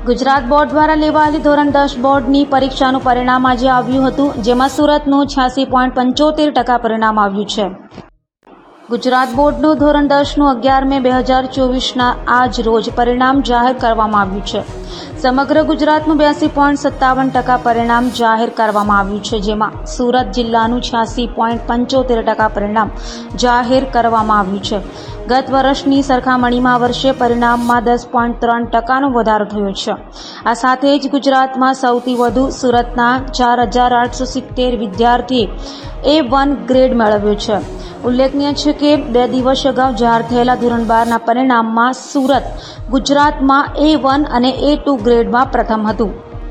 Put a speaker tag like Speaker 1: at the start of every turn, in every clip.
Speaker 1: Gujarat board દ્વારા લેવાયેલી ધોરણ 10 બોર્ડની પરીક્ષાનું પરિણામ આજે આવ્યું હતું, જેમાં સુરતનું 86.75% પરિણામ આવ્યું છે. ગુજરાત બોર્ડનું ધોરણ 10નું 11 મે 2024ના આજ રોજ પરિણામ જાહેર કરવામાં આવ્યું છે. સમગ્ર ગુજરાતનું 82.57% પરિણામ જાહેર કરવામાં આવ્યું છે, જેમાં સુરત જિલ્લાનું 86.75% પરિણામ જાહેર કરવામાં આવ્યું છે. ગત વર્ષની સરખામણીમાં આ વર્ષે પરિણામમાં 10.3%નો વધારો થયો છે. આ સાથે જ ગુજરાતમાં સૌથી વધુ સુરતના 4,870 વિદ્યાર્થીએ A1 ગ્રેડ મેળવ્યો છે. ઉલ્લેખનીય છે કે 2 દિવસ અગાઉ જાહેર થયેલા ધોરણ 12ના પરિણામમાં સુરત ગુજરાતમાં A1 અને A2 ગ્રેડમાં પ્રથમ હતું.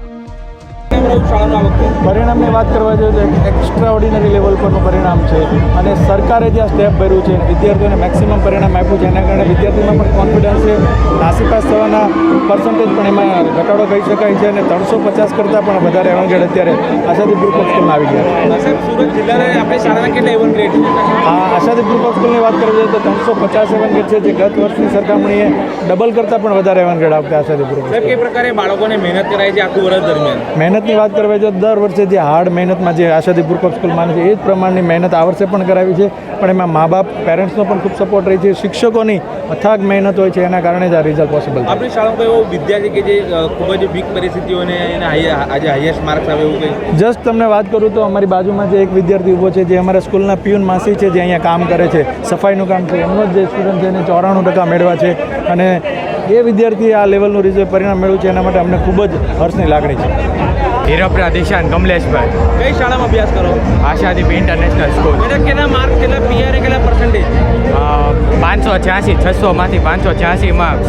Speaker 2: પરિણામની વાત કરવા જોઈએ તો એક્સ્ટ્રા ઓર્ડિનરી લેવલ પરનું પરિણામ છે અને સરકારે જે આ સ્ટેપ ભર્યું છે વિદ્યાર્થીઓને મેક્સિમમ પરિણામ આપ્યું છે, એના કારણે વિદ્યાર્થીઓમાં પણ કોન્ફિડન્સ છે. નાસીપાસ થવાના પર્સન્ટેજ પણ એમાં ઘટાડો કહી શકાય છે અને 350 કરતાં પણ વધારે એવંગેડ અત્યારે આશાદી ગ્રુપ ઓફ સ્કૂલમાં આવી ગયા છે.
Speaker 3: સુરત જિલ્લાને આપણી શાળાના કેટલા A1 ગ્રેડ છે?
Speaker 2: આશાદી ગ્રુપ ઓફ સ્કૂલની વાત કરવા જોઈએ તો 350 એવંગેડ છે, જે ગત વર્ષની સરખામણીએ ડબલ કરતાં પણ વધારે એવંગેડ આવતા આશાદી ગ્રુપ.
Speaker 3: સાહેબ, કઈ પ્રકારે બાળકોને મહેનત કરાય છે આખું વર્ષ દરમિયાન?
Speaker 2: મહેનતની વાત કરવા જો દર વર્ષે જે હાર્ડ મહેનતમાં જે આશાદી ગ્રુપ ઓફ સ્કૂલ માને છે એ જ પ્રમાણની મહેનત આ વર્ષે પણ કરાવી છે, પણ એમાં મા બાપ પેરેન્ટ્સનો પણ ખૂબ સપોર્ટ રહી છે, શિક્ષકોની અથાગ મહેનત હોય છે, એના કારણે જ આ રિઝલ્ટ પોસિબલ છે.
Speaker 3: આપણી શાળામાં એવો વિદ્યાર્થી કે જે ખૂબ જ વીક પરિસ્થિતિઓને એને આજે હાઈએસ્ટ માર્ક્સ આવે એવું કંઈ?
Speaker 2: જસ્ટ તમને વાત કરું તો અમારી બાજુમાં જે એક વિદ્યાર્થી ઊભો છે, જે અમારા સ્કૂલના પ્યુન માસી છે, જે અહીંયા કામ કરે છે, સફાઈનું કામ છે, એમનો જ જે સ્ટુડન્ટ છે એને 94% મેળવ્યા છે અને એ વિદ્યાર્થીએ આ લેવલનું રિઝલ્ટ પરિણામ મેળવ્યું છે, એના માટે અમને ખૂબ જ હર્ષની લાગણી છે.
Speaker 4: હીરોપરા દિશાન કમલેશભાઈ.
Speaker 3: કઈ શાળામાં અભ્યાસ કરો?
Speaker 4: Ashadeep international school.
Speaker 3: બેટા કેટલા માર્ક્સ, કેટલા PR, કેટલા પર્સન્ટેજ?
Speaker 4: 586, 600માંથી 586 માર્ક્સ,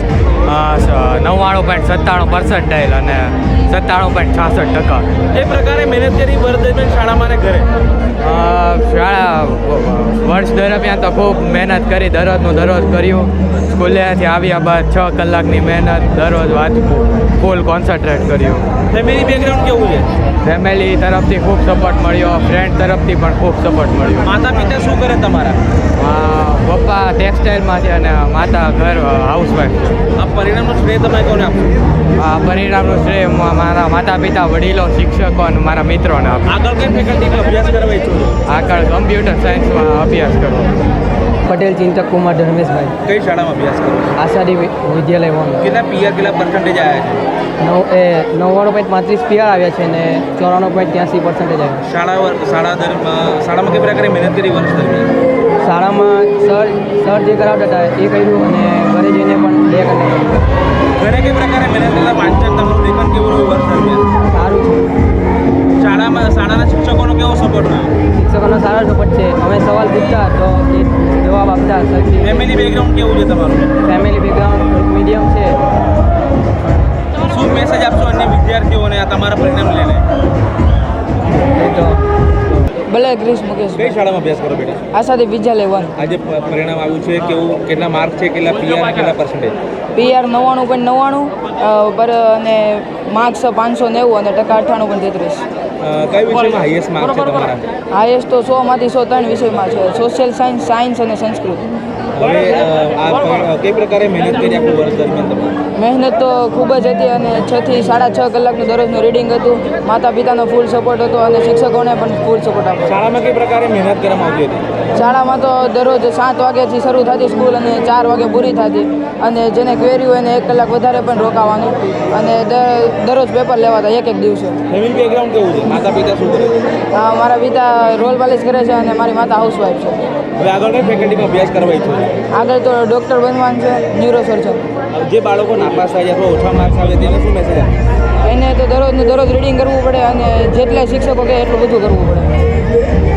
Speaker 4: 99.97% અને 97.66%.
Speaker 3: એ પ્રકારે મહેનત કરી વર્ષ દરમિયાન શાળામાં અને ઘરે?
Speaker 4: શાળા વર્ષ દરમિયાન તો ખૂબ મહેનત કરી, દરરોજ કર્યું. સ્કૂલેથી આવ્યા બાદ 6 કલાકની મહેનત, દરરોજ વાંચવું, ફૂલ કોન્સન્ટ્રેટ કર્યું.
Speaker 3: ફેમિલી બેકગ્રાઉન્ડ કેવું છે?
Speaker 4: ફેમિલી તરફથી ખૂબ સપોર્ટ મળ્યો, ફ્રેન્ડ તરફથી પણ ખૂબ સપોર્ટ મળ્યો.
Speaker 3: માતા પિતા શું કરે તમારા?
Speaker 4: પપ્પા ટેક્સટાઇલમાં છે અને માતા ઘર હાઉસવાઈફ છે.
Speaker 3: આ પરિણામનું શ્રેય તમે કોને આપશો?
Speaker 4: આ પરિણામનું શ્રેય મારા માતા પિતા, વડીલો, શિક્ષકો અને મારા મિત્રોને આપું.
Speaker 3: આગળ કઈ ફેકલ્ટીમાં અભ્યાસ કરવા ઈચ્છો છો?
Speaker 4: આગળ કમ્પ્યુટર સાયન્સમાં અભ્યાસ કરવો.
Speaker 5: પટેલ ચિંતક કુમાર ધર્મેશભાઈ.
Speaker 3: કઈ શાળામાં અભ્યાસ કરો?
Speaker 5: આશાદી વિદ્યાલય વન.
Speaker 3: કેટલા PR, કેટલા પર્સન્ટેજ આવ્યા છે?
Speaker 5: 99.35 PR આવ્યા છે અને 94.83% આવ્યા.
Speaker 3: શાળામાં કઈ પ્રકારે મહેનત કરી વર્ષ દરમિયાન?
Speaker 5: શાળામાં સર જે કરાવતા હતા એ કર્યું અને ઘરે જઈને પણ 2 કલાક.
Speaker 3: ઘરે કઈ પ્રકારે મહેનત કરતા વાંચન તમારું લેખન કેવું રહ્યું વર્ષ દરમિયાન?
Speaker 5: સારું છે.
Speaker 3: શાળાના શિક્ષકોનો કેવો સપોર્ટ રહ્યો?
Speaker 5: શિક્ષકોનો સારો સપોર્ટ છે. અમે સવાલ પૂછતા તો એ જવાબ આપતા.
Speaker 3: ફેમિલી બેકગ્રાઉન્ડ કેવું છે તમારું?
Speaker 5: ફેમિલી બેકગ્રાઉન્ડ મીડિયમ છે.
Speaker 3: શું મેસેજ આપશો અન્ય વિદ્યાર્થીઓને આ તમારા પરિણામ લઈને?
Speaker 5: એ તો ભલે ક્રિશ મુકેશ.
Speaker 3: કઈ શાળામાં અભ્યાસ કરો બેટા?
Speaker 5: આશાદી વિદ્યાલય વન.
Speaker 3: આજે પરિણામ આવ્યું છે, કેવું, કેટલા માર્ક છે, કેટલા PR, કેટલા પર્સન્ટેજ?
Speaker 5: PR 99.99 અને માર્ક્સ 590 અને ટકા 98.33.
Speaker 3: કઈ વિષયમાં હાઈએસ્ટ માર્ક છે તમારા?
Speaker 5: હાઈએસ્ટ તો 100માંથી 103 વિષયમાં છે. સોશિયલ સાયન્સ અને સંસ્કૃત.
Speaker 3: હવે આ કઈ પ્રકારે મહેનત કરી આખું વર્ષ દરમિયાન તમે?
Speaker 5: મહેનત તો ખૂબ જ હતી અને 6 થી 6.5 કલાકનું દરરોજનું રીડિંગ હતું. માતા પિતાનો ફૂલ સપોર્ટ હતો અને શિક્ષકોને પણ ફૂલ સપોર્ટ આપ્યો.
Speaker 3: શાળામાં કઈ પ્રકારે મહેનત કરવામાં આવતી હતી?
Speaker 5: શાળામાં તો દરરોજ 7 વાગ્યાથી શરૂ થતી સ્કૂલ અને 4 વાગે પૂરી થતી, અને જેને ક્વેરી હોય એને 1 કલાક વધારે પણ રોકાવાનું અને દરરોજ પેપર લેવાતા એક દિવસે.
Speaker 3: ફેમિલી બેકગ્રાઉન્ડ કેવું છે? માતા પિતા શું કરે?
Speaker 5: મારા પિતા રોલ પાલિશ કરે છે અને મારી માતા હાઉસવાઈફ છે.
Speaker 3: હવે આગળ કઈ ફેકલ્ટીમાં અભ્યાસ કરવા ઈચ્છો છો?
Speaker 5: આગળ તો ડૉક્ટર બનવાનું છે, ન્યુરોસર્જન.
Speaker 3: જે બાળકો નાપાસ થાય અથવા ઓછા માર્ક્સ આવે તેને શું મેસેજ આપે?
Speaker 5: એને તો દરરોજ રીડિંગ કરવું પડે અને જેટલા શિક્ષકો કહે એટલું બધું કરવું પડે.